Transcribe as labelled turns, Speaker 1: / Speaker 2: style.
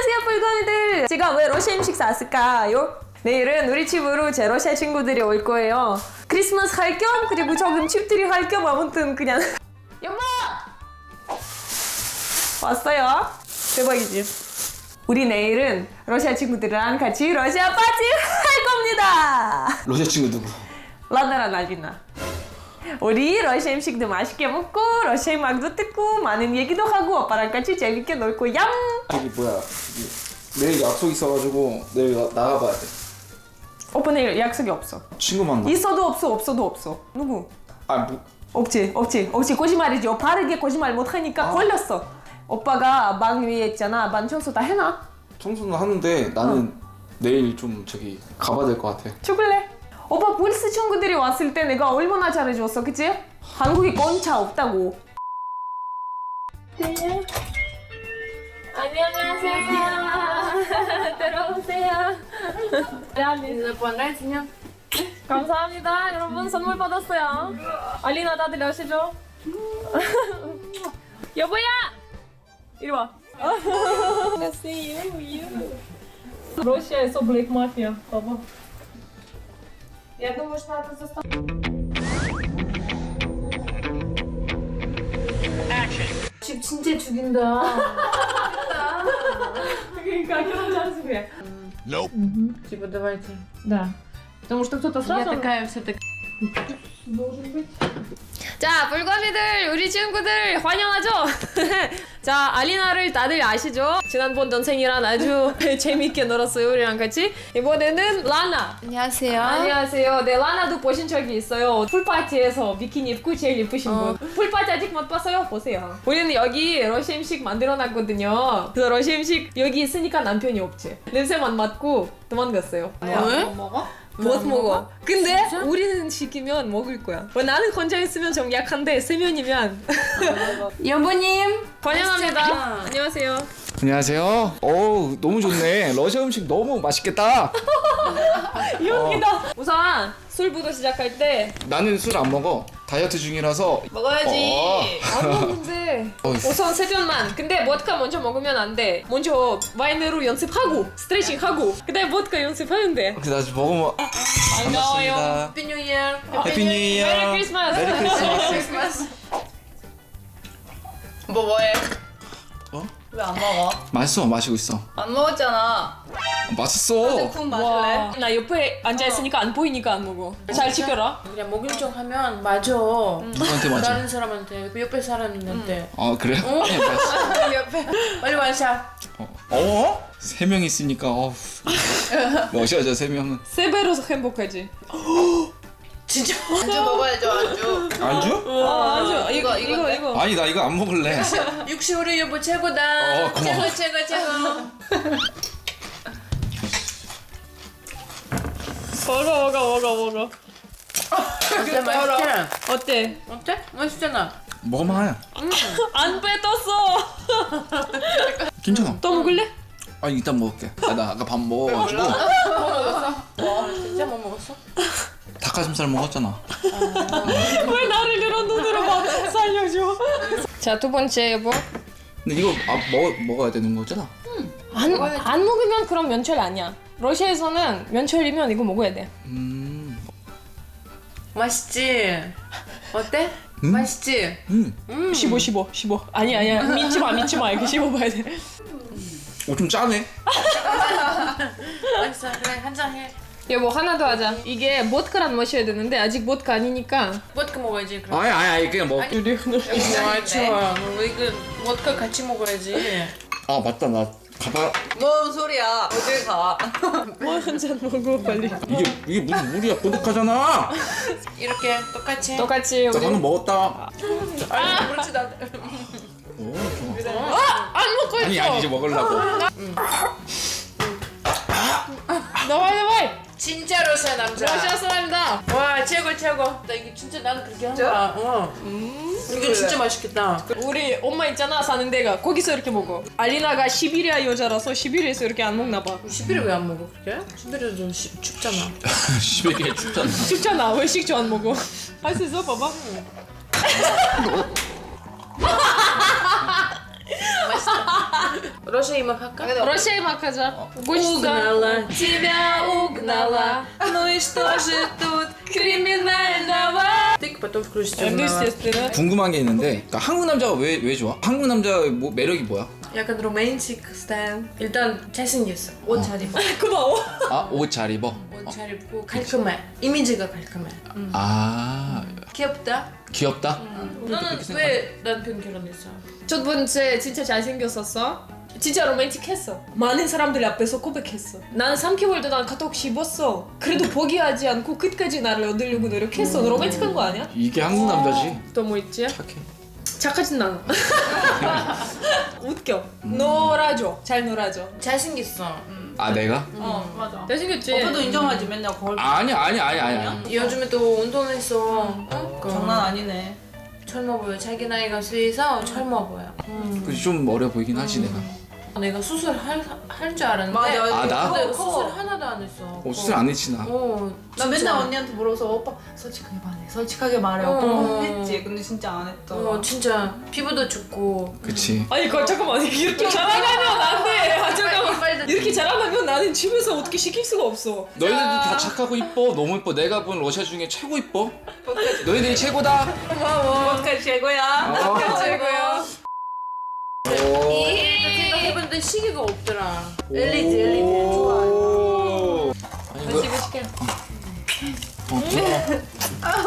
Speaker 1: 안녕하세요 뿔거미들. 제가 왜 러시아 음식 샀을까요? 내일은 우리 집으로 제 러시아 친구들이 올 거예요. 크리스마스 할 겸 그리고 조금 칩들이 할 겸 아무튼 그냥 여보! 왔어요? 대박이지? 우리 내일은 러시아 친구들이랑 같이 러시아 파티 할 겁니다.
Speaker 2: 러시아 친구 누구?
Speaker 1: 라나랑 알리나. 우리 러시아 음식도 맛있게 먹고 러시아 음악도 듣고 많은 얘기도 하고 오빠랑 같이 재밌게 놀 거야.
Speaker 2: 저기 뭐야 내일 약속 있어가지고 내일 나가봐야 돼.
Speaker 1: 오빠 내일 약속이 없어.
Speaker 2: 친구 만나.
Speaker 1: 있어도 없어 없어도 없어. 누구?
Speaker 2: 뭐
Speaker 1: 없지 거짓말이지. 바르게 거짓말 못하니까 걸렸어. 오빠가 방 위에 있잖아. 방 청소 다 해놔.
Speaker 2: 청소는 하는데 나는 내일 좀 저기 가봐야 될 것 같아.
Speaker 1: 죽을래? 오빠 볼스 친구들이 왔을 때 내가 얼마나 잘해줬어, 그치? 한국에 건차 없다고. 네. 안녕하세요. 들어오세요.
Speaker 3: Понравится?
Speaker 1: 감사합니다. 여러분 선물 받았어요. 알리나 다들 아시죠? 여보야! 이리 와. 러시아에서 블랙 마피아. 봐봐. Я думаю, что надо заставить.
Speaker 3: 집 진짜 죽인다.
Speaker 1: 그러니까 결혼 잘했으면.
Speaker 3: Типа давайте.
Speaker 1: Да. Потому что кто-то
Speaker 3: Я
Speaker 1: сразу
Speaker 3: такая вся такая.
Speaker 1: должен быть. 자, 불거미들, 우리 친구들 환영하죠? 자, 알리나를 다들 아시죠? 지난번 전생이랑 아주 재밌게 놀았어요, 우리랑 같이. 이번에는 라나.
Speaker 3: 안녕하세요.
Speaker 1: 안녕하세요. 네, 라나도 보신 적이 있어요. 풀파티에서 비키니 입고 제일 예쁘신 분. 풀파티 아직 못 봤어요? 보세요. 우리는 여기 러시아 음식 만들어놨거든요. 그래서 러시아 음식 여기 있으니까 남편이 없지. 냄새만 맡고 도망갔어요.
Speaker 3: 왜?
Speaker 1: 못 먹어. 근데 우리는 시키면 먹을 거야. 나는 혼자 있으면 좀 약한데 세 명이면
Speaker 3: 여보님.
Speaker 1: 환영합니다. 안녕하세요.
Speaker 2: 안녕하세요. 어우 너무 좋네. 러시아 음식 너무 맛있겠다.
Speaker 1: 여기다. 우선 술부터 시작할 때
Speaker 2: 나는 술 안 먹어. 다이어트 중이라서.
Speaker 1: 먹어야지. 안 먹는데.
Speaker 2: 어이.
Speaker 1: 우선 세 병만. 근데 보드카 먼저 먹으면 안 돼. 먼저 와인으로 연습하고 스트레칭하고 그다음에 보드카 연습하면 돼.
Speaker 2: 나 먹으면.
Speaker 1: 반가워요.
Speaker 3: Happy New Year.
Speaker 2: 해피 뉴 이어.
Speaker 1: 메리 크리스마스.
Speaker 2: 메리 크리스마스.
Speaker 3: 크리스마스. 뭐해?
Speaker 2: 어?
Speaker 3: 왜 안 먹어?
Speaker 2: 맛있어. 마시고 있어.
Speaker 3: 안 먹었잖아.
Speaker 2: 맛있어.
Speaker 3: 쿵
Speaker 1: 와, 나 옆에 앉아 있으니까 안 보이니까 안 먹어. 잘 지켜라.
Speaker 3: 그냥 먹인 척 하면 맞아.
Speaker 2: 누구한테 맞아?
Speaker 3: 다른 사람한테 그 옆에 사람한테.
Speaker 2: 아 그래? 네, 맛있어.
Speaker 3: 옆에. 빨리 완샷.
Speaker 2: 어? 세 명 있으니까 러시아죠 세 명은.
Speaker 1: 세 배로 행복하지.
Speaker 3: 진짜. 안주 먹어야죠 안주.
Speaker 2: 안주?
Speaker 1: 아, 아주 이거.
Speaker 2: 아니 나 이거 안 먹을래.
Speaker 3: 육시 우리 여보 최고다.
Speaker 2: 고마워.
Speaker 3: 최고.
Speaker 1: 먹어.
Speaker 3: 어때 맛있지?
Speaker 1: 어때?
Speaker 3: 어때? 맛있잖아.
Speaker 2: 먹어봐.
Speaker 1: 안 뱉었어.
Speaker 2: 괜찮아.
Speaker 1: 또 먹을래?
Speaker 2: 아니 이따 먹을게. 나 아까 밥 먹어가지고
Speaker 3: 와 진짜 못 먹었어?
Speaker 2: 닭가슴살 먹었잖아.
Speaker 1: 왜 나를 이런 눈으로 봐? 살려줘. 자, 두 번째 여보.
Speaker 2: 근데 이거 먹어야 되는 거잖아.
Speaker 1: 안 먹으면 그럼 면철 아니야. 러시아에서는 면철이면 이거 먹어야 돼.
Speaker 3: 맛있지? 어때? 맛있지?
Speaker 1: 15. 아니야. 믿지 마. 이렇게 씹어봐야 돼.
Speaker 2: 좀 짜네.
Speaker 3: 맛있어. 그래 한 잔 해.
Speaker 1: 여보 하나 더 하자. 이게 보드카랑 마셔야 되는데 아직 보드카 아니니까.
Speaker 3: 보드카 먹어야지 그럼.
Speaker 2: 아니 그냥 먹.
Speaker 3: 좋아. 이거 보드카 같이 먹어야지.
Speaker 2: 아 맞다 나 가봐.
Speaker 3: 뭔 소리야? 어딜 가?
Speaker 1: 한 잔 먹어 빨리.
Speaker 2: 이게 무슨 물이야? 보드카잖아.
Speaker 3: 이렇게 똑같이.
Speaker 1: 똑같이
Speaker 2: 나
Speaker 1: 우리.
Speaker 2: 방금 먹었다.
Speaker 3: 그렇지 나.
Speaker 2: 오 좋아.
Speaker 1: 안 먹고 있어.
Speaker 2: 아니 이제 먹으려고.
Speaker 1: 나와.
Speaker 3: 진짜 러시아 남자.
Speaker 1: 러시아 사람이다.
Speaker 3: 와 최고. 나 이게 진짜 나는 그렇게 한다. 이게 진짜 맛있겠다.
Speaker 1: 우리 엄마 있잖아 사는 데가 거기서 이렇게 먹어. 알리나가 시베리아 여자라서 시베리아에서 이렇게 안 먹나 봐.
Speaker 3: 시베리아 왜 안 먹어 그렇게? 시베리아 좀 춥잖아.
Speaker 2: 시베리아 춥잖아.
Speaker 1: 춥잖아. 왜 식초 안 먹어? 할 수 있어? 봐봐.
Speaker 3: 맛있다. 러시아 음악 할까?
Speaker 1: 러시아 음악 하자.
Speaker 3: Угнала, тебя угнала. Ну и что же тут криминального? Ты потом включишь
Speaker 1: естественно.
Speaker 2: 궁금한 게 있는데 그러니까 한국 남자가 왜 좋아? 한국 남자의 뭐 매력이 뭐야?
Speaker 3: 약간 로맨틱 스타일. 일단 잘생겼어. 옷 잘 입어.
Speaker 1: 고마워.
Speaker 2: 아, 옷 잘 입어?
Speaker 3: 옷 잘 입고 깔끔해. 이미지가 깔끔해.
Speaker 2: 아,
Speaker 3: 귀엽다.
Speaker 2: 귀엽다?
Speaker 3: 너는 왜 남편 결혼했어?
Speaker 1: 첫 번째 진짜 잘생겼었어. 진짜 로맨틱했어. 많은 사람들 앞에서 고백했어. 나는 3개월도 난 카톡 씹었어. 그래도 포기하지 않고 끝까지 나를 얻으려고 노력했어. 너 로맨틱한 거 아니야?
Speaker 2: 이게 한국 남자지.
Speaker 1: 또 뭐 있지?
Speaker 2: 착해.
Speaker 1: 착하진 않아. 웃겨. 놀아줘. 잘 놀아줘.
Speaker 3: 잘생겼어.
Speaker 2: 아, 내가?
Speaker 4: 맞아.
Speaker 1: 잘생겼지?
Speaker 4: 오빠도 인정하지 맨날 거울
Speaker 2: 아니야.
Speaker 3: 요즘에 또 운동했어. 어?
Speaker 4: 장난 아니네.
Speaker 3: 젊어 보여. 자기 나이가 수해서 젊어 보여.
Speaker 2: 그치, 좀 어려 보이긴 하지, 내가.
Speaker 3: 내가 수술 할 줄 알았는데.
Speaker 4: 맞아.
Speaker 2: 아, 나?
Speaker 3: 근데 수술 하나도 안 했어.
Speaker 2: 수술 안 했지, 나.
Speaker 4: 나 맨날 언니한테 물어서 오빠 솔직하게 말해. 솔직하게 말해. 오빠 했지. 근데 진짜 안 했더라.
Speaker 3: 진짜 피부도 좋고.
Speaker 2: 그치.
Speaker 1: 아니 잠깐만 이렇게 자랑하면 안 돼. 아, 잠깐만 이렇게 자랑하면 나는 집에서 어떻게 시킬 수가 없어.
Speaker 2: 너희들도 다 착하고 이뻐. 너무 이뻐. 내가 본 러시아 중에 최고 이뻐. 너희들이 최고다.
Speaker 4: 오빠 최고야.
Speaker 1: 최고야.
Speaker 3: 생각해봤는데 시계가 없더라.
Speaker 4: 엘리지 좋아.
Speaker 2: 오. 아니, 그,
Speaker 1: 시킬게.
Speaker 2: 들어가.